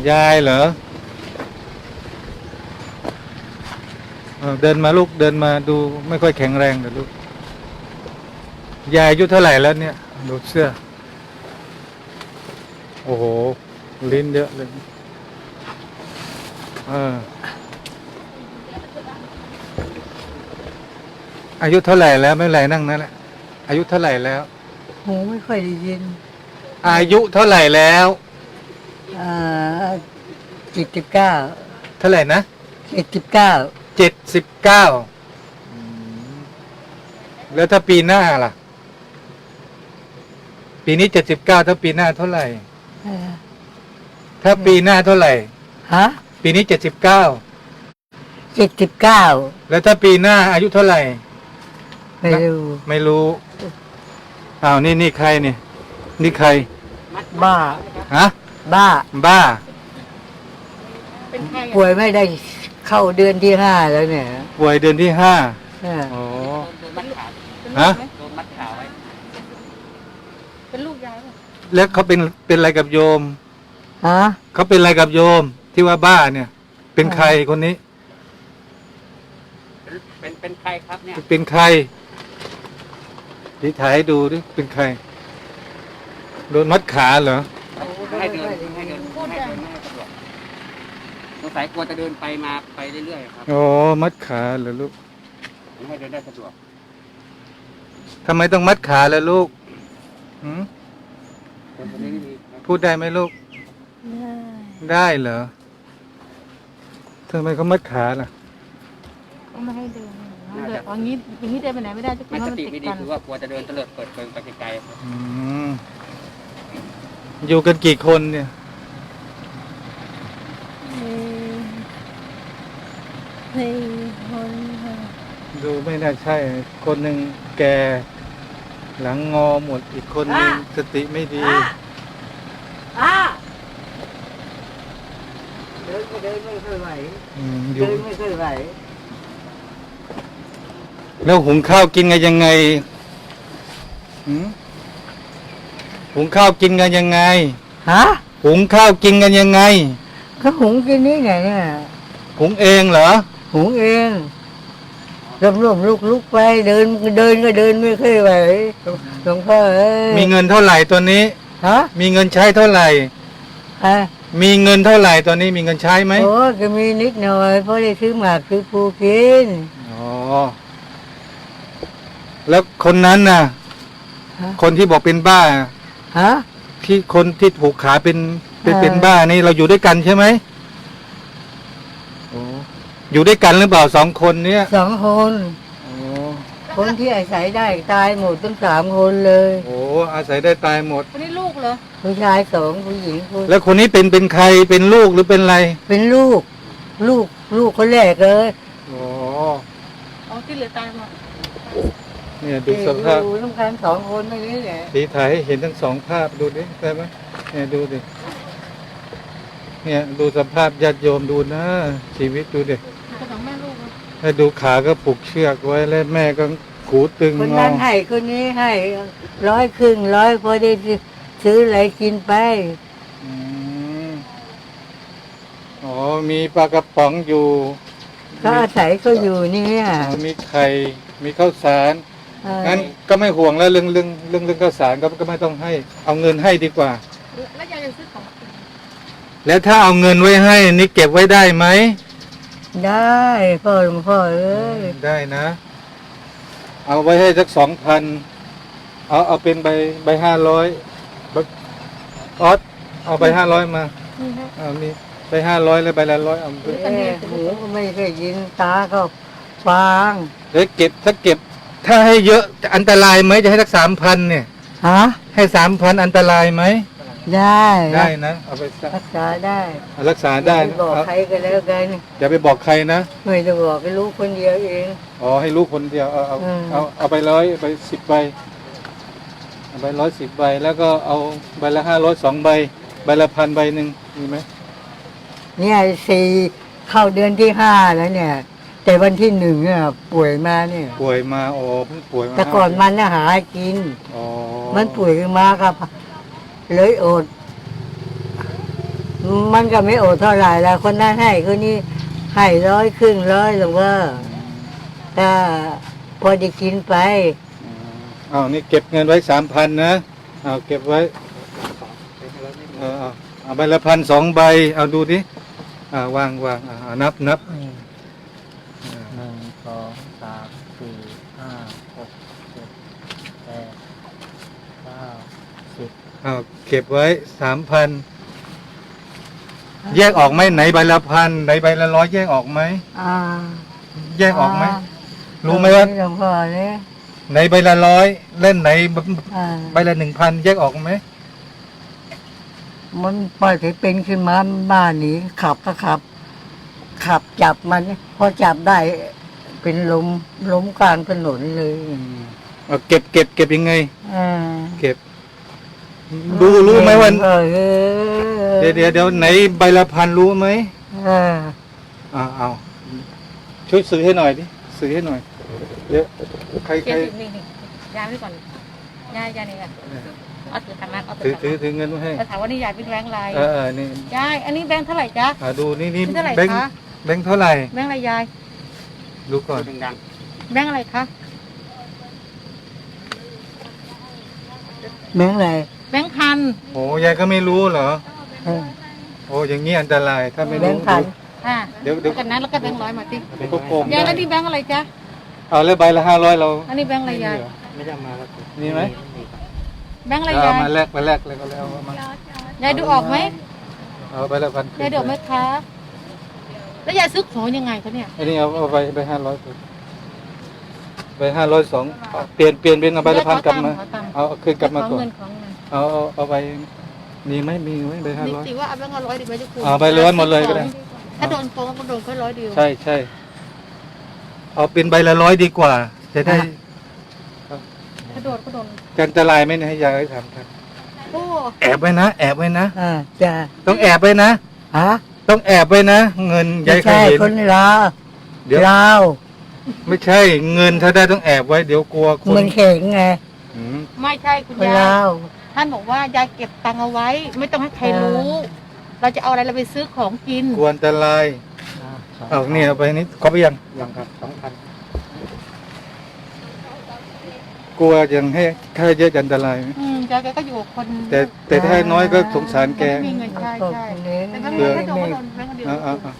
ยายเหรอเดินมาลูกเดินมาดูไม่ค่อยแข็งแรงแต่ลูกยายอายุเท่าไหร่แล้วเนี่ยดูเสื้อโอ้โหลิ้นเยอะเลยอายุเท่าไหร่แล้วไม่เป็นไรนั่งนั่นแหละอายุเท่าไหร่แล้วหูไม่ค่อยได้ยินอายุเท่าไหร่แล้ว 79 เท่าไหร่นะ 79 79แล้วถ้าปีหน้าล่ะปีนี้79ถ้าปีหน้าเท่าไหร่ถ้าปีหน้าเท่าไหร่ฮะปีนี้79 แล้วถ้าปีหน้าอายุเท่าไหร่ไม่รู้อ้าวนี่ใครนี่ใครบ้าฮะบ้าป่วยไม่ได้เข้าเดือนที่5แล้วเนี่ยป่วยเดือนที่5อ๋อฮะโดนมัดขาไว้เป็นลูกยายป่ะแล้วเขาเป็นอะไรกับโยมฮะเขาเป็นอะไรกับโยมที่ว่าบ้าเนี่ย เป็นใครคนนี้เป็นใครครับเนี่ยเป็นใครที่ถ่ายให้ดูดิเป็นใครโดนมัดขาเหรอให้เดินไม่ให้สะดวกสงสัยกลัวจะเดินไปมาไปเรื่อยๆครับอ๋อมัดขาเหรอลูกไม่ให้เดินได้สะดวกทำไมต้องมัดขาล่ะลูกพูดได้ไหมลูกได้เหรอทำไมเขามัดขาล่ะก็ไม่ให้เดินอย่างนี้เดินไปไหนไม่ได้มันสติไม่ดีคือว่ากลัวจะเดินเตลิดเปิดเปิงไปไกลๆครับอยู่กันกี่คนเนี่ยคนดูไม่น่าใช่คนหนึ่งแกหลังงอหมดอีกคนหนึ่งสติไม่ดีเดินไม่ค่อยไหวเดินไม่ค่อยไหวแล้วหุงข้าวกินกันยังไงหุงข้าวกินกันยังไงฮะหุงข้าวกินกันยังไงก็หุงกินนี่ไงเนี่ยหุงเองเหรอหุงเองร่มลุกไปเดินก็เดินไม่ค่อยไหวหลวงพ่อมีเงินเท่าไหร่ตัวนี้ฮะมีเงินใช้เท่าไหร่มีเงินเท่าไหร่ตอนนี้มีเงินใช้ไหมโอ้ก็มีนิดหน่อยเพราะได้ซื้อหมากซื้อปูกินอ๋อแล้วคนนั้นน่ะคนที่บอกเป็นบ้าฮะที่คนที่ถูกขาเป็นบ้านี่เราอยู่ด้วยกันใช่ไหมโอ้อยู่ด้วยกันหรือเปล่า2 คนเนี้ย 2 คนคนที่อาศัยได้ตายหมดทั้ง3 คนเลยโอ้อาศัยได้ตายหมดคนนี้ลูกเหรอผู้ชาย2ผู้หญิง 1แล้วคนนี้เป็นใครเป็นลูกหรือเป็นอะไรเป็นลูกคนแรกเลยอ๋อที่เหลือตายหมดเนี่ยดูสภาพต้องการ2 คนไม่นี้แหละสีถ่ายให้เห็นทั้ง2 ภาพดูดิได้ไหมเนี่ยดูดิเนี่ยดูสภาพญาติโยมดูนะชีวิตดูดิให้ดูขาก็ผูกเชือกไว้แล้วแม่ก็ขูตึงคนนั้นให้คนนี้ให้100 ครึ่ง100พอได้ซื้ออะไรกินไปอ๋อมีปลากระป๋องอยู่ก็อาศัยเขาอยู่เนี่ยมีไข่มีข้าวสารงั้นก็ไม่ห่วงแล้วเรื่องข้าวสารก็ไม่ต้องให้เอาเงินให้ดีกว่าแล้วยายจะซื้อของแล้วถ้าเอาเงินไว้ให้นี่เก็บไว้ได้ไหมได้พ่อหลวงพ่อเอ้ยได้นะเอาไว้ให้สัก2,000เอาเป็นใบ500ออสเอาใบ500มามีใบ500แล้วใบละ100เอาหูก็ไม่เคยยินตาก็ฟังถ้าให้เยอะจะอันตรายไหมจะให้สัก3,000เนี่ยฮะให้3,000อันตรายไหมได้นะเอาไปรักษาได้รักษาได้บอกใครก็แล้วกันอย่าไปบอกใครนะไม่จะบอกให้ลูกคนเดียวเองอ๋อให้ลูกคนเดียวเอาไป100ไป10 ใบเอาไป110 ใบแล้วก็เอาใบละ500 2 ใบใบละ1,000 ใบหนึ่งมีไหมเนี่ยเข้าเดือนที่5แล้วเนี่ยแต่วันที่1เนี่ยป่วยมาเนี่ยป่วยมาอ๋อเพิ่งป่วยมาแต่ก่อนมันน่ะหากินมันป่วยมาครับเลยอดมันก็ไม่โอดเท่าไหร่แล้วคนนั้นให้คนนี้ให้100ครึ่ง100หรือว่าก็พอได้กินไปเอานี่เก็บเงินไว้3,000นะเอาเก็บไว้เอาใบละ1,000 2 ใบเอาดูดิวางนับ 1 2 3 4 5 6 7 8 9 10 เอาเก็บไว้3,000แยกออกไหมไหนใบละ1,000ไหนใบละ100แยกออกไหมแยกออกไหมรู้ไหมว่าหลวงพ่อเนี่ยไหนใบละ100เล่นไหนใบละ1,000แยกออกไหมมันปล่อยให้เป็นขึ้นมาบ้านนี้ขับก็ขับจับมันพอจับได้เป็นล้มกลางถนนเลยเอาเก็บยังไงอ่าเก็บรู้ไหมว่าเออเดี๋ยวไหนใบละ1,000รู้ไหมเออเอาช่วยซื้อให้หน่อยดิซื้อให้หน่อยเดี๋ยวใครเจ็ดสิบนี่ยายไว้ก่อนยายนี่ค่ะเอาถือทางนั้นเอาถือถือเงินไว้ให้ถามว่านี่ยายเป็นแบงค์อะไรนี่ยายอันนี้แบงค์เท่าไหร่จ๊ะดูนี่เท่าไหร่แบงค์คะแบงค์เท่าไหร่แบงค์อะไรยายดูก่อนแบงค์อะไรคะแบงค์อะไรแบงค์พันโอ้ยายก็ไม่รู้เหรอเออโอ้อย่างนี้อันตรายถ้าไม่แบรู้งค์พันอ่าเดี๋ยวกันนั้นแล้วก็แบงค์100มาสิเดี๋ยวก็โกงยายแล้วได้นี่แบงค์อะไรจ๊ะเอาแล้วใบละ500เราอันนี้แบงค์อะไรยายไม่ได้มาแล้วนี่ไหมแบงค์อะไรเอายายมาแลกเลยก็แล้วเอามายายดูออกไหมเอาใบละ1,000 ยายดูออกไหมคะแล้วยายซื้อของยังไงคะเนี่ยอันนี้เอาไป500ไป502เปลี่ยนเป็นเอาใบละ1,000กลับมาเอาคืนกลับมาก่อนเงินของเงินเอาไปมีไหมใบนี่ 500 สิว่าเอาแบงค์100ดีไหมทุกคนเอาใบ100หมดเลยก็ได้ถ้าโดนโกงก็โดนแค่100เดียวใช่เอาเป็นใบละ100ดีกว่า จะได้ถ้าโดนก็โดนกันอันตรายไหมเนี่ยให้ยายให้ถามครับโอ้แอบไว้นะแอบไว้นะจ้ะต้องแอบไว้นะฮะต้องแอบไว้นะเงินไม่ยายเคยใช่เห็นคนลาวเดี๋ยวลาวไม่ใช่เงินถ้าได้ต้องแอบไว้เดี๋ยวกลัวคนมันเข่งไงอืมไม่ใช่คุณคนยาลาย วท่านบอกว่ายายเก็บตังค์เอาไว้ ไม่ต้องให้ใครรู้ เราจะเอาอะไรเราไปซื้อของกินกลัวอันตรายเอาเนี่ยเอาไปนี่เขาไปยังครับ2,000กลัวยังให้ค่าเยอะจะอันตรายไหมยายแกก็อยู่กับคนแต่ถ้าให้น้อยก็สงสารแกไม่มีเงินใช่ใช่แต่แบงค์เผื่อไม่โดนก็โดนแบงค์เดียวเอา 3,000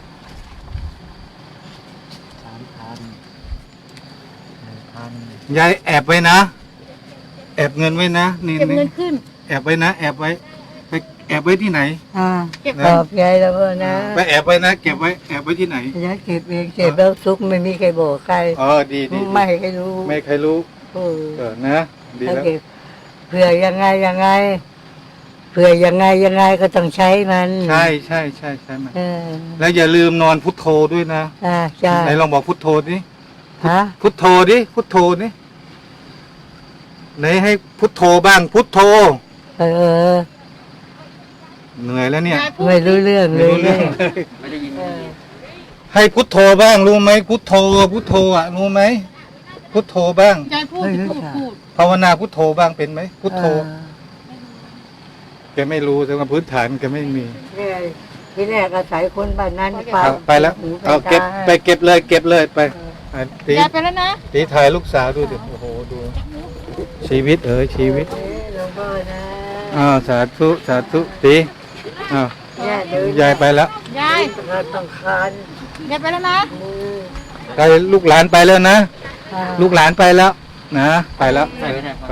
ยายแอบไว้นะ แอบเงินไว้นะนี่เก็บเงินขึ้นแอบไว้นะแอบไว้ไปแอบไว้ที่ไหนเก็บขอบใจแล้วพ่อนะไปแอบไว้นะเก็บไว้แอบไว้ที่ไหนอย่าเก็บเองเก็บแล้วซุกไม่มีใครบอกใครดีไม่ให้ใครรู้ไม่ใครรู้เออนะดีถ้าแล้วเก็บเผื่อยังไงเผื่อยังไงก็ต้องใช้มันใช่ไหมเออแล้วอย่าลืมนอนพุทโธด้วยนะใช่ไหนลองบอกพุทโธดิฮะพุทโธดิพุทโธดิไหนให้พุทโธบ้างพุทโธเออเหนื่อยแล้วเนี่ยยายพูดไม่รู้เรื่องไม่เลยรู้เรื่องไม่ได้ยินให้พุทโธบ้างรู้ไหมพุทโธรู้ไหมพุทโธบ้างยายพูดพูดภาวนาพุทโธบ้างเป็นไหมพุทโธแกไม่รู้แต่ว่าพื้นฐานแกไม่มีเนี่ยที่แรกอาศัยคนบ้านนั้นไปแล้วหูเอาเก็บตาไปเก็บเลยไปตียายไปแล้วนะตีถ่ายลูกสาวดูดิโอ้โหดู ชีวิตชีวิตหลวงพ่อนะสาธุตีอ้าวเนี่ยเดินยายไปแล้วยายเราต้องคานยายไปแล้วนะมือไปลูกหลานไปแล้วนะอ่าลูกหลานไปแล้วนะไปแล้วไป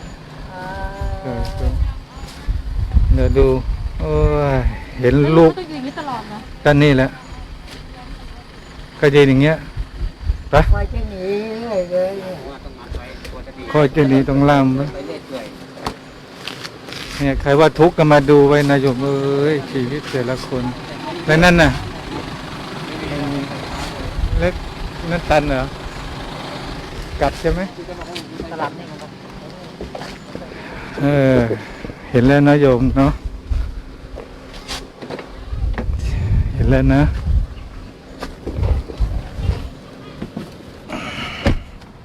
เดี๋ยวดูโอ้ยเห็นลูกต้องอยู่อย่างนี้ตลอดนะกันนี่แหละก็ยืนอย่างเงี้ยไปคอยจะหนีเรื่อยเลยเนี่ยคอยจะหนีต้องล่ามไว้เนี่ยใครว่าทุกข์ก็มาดูไว้นะโยมเอ้ยชีวิตแต่ละคนแล้วนั่นน่ะเล็กนั่นตันเหรอกัดใช่ไหมตลาดนี่มันเห็นแล้วนะโยมเนาะเห็นแล้วนะ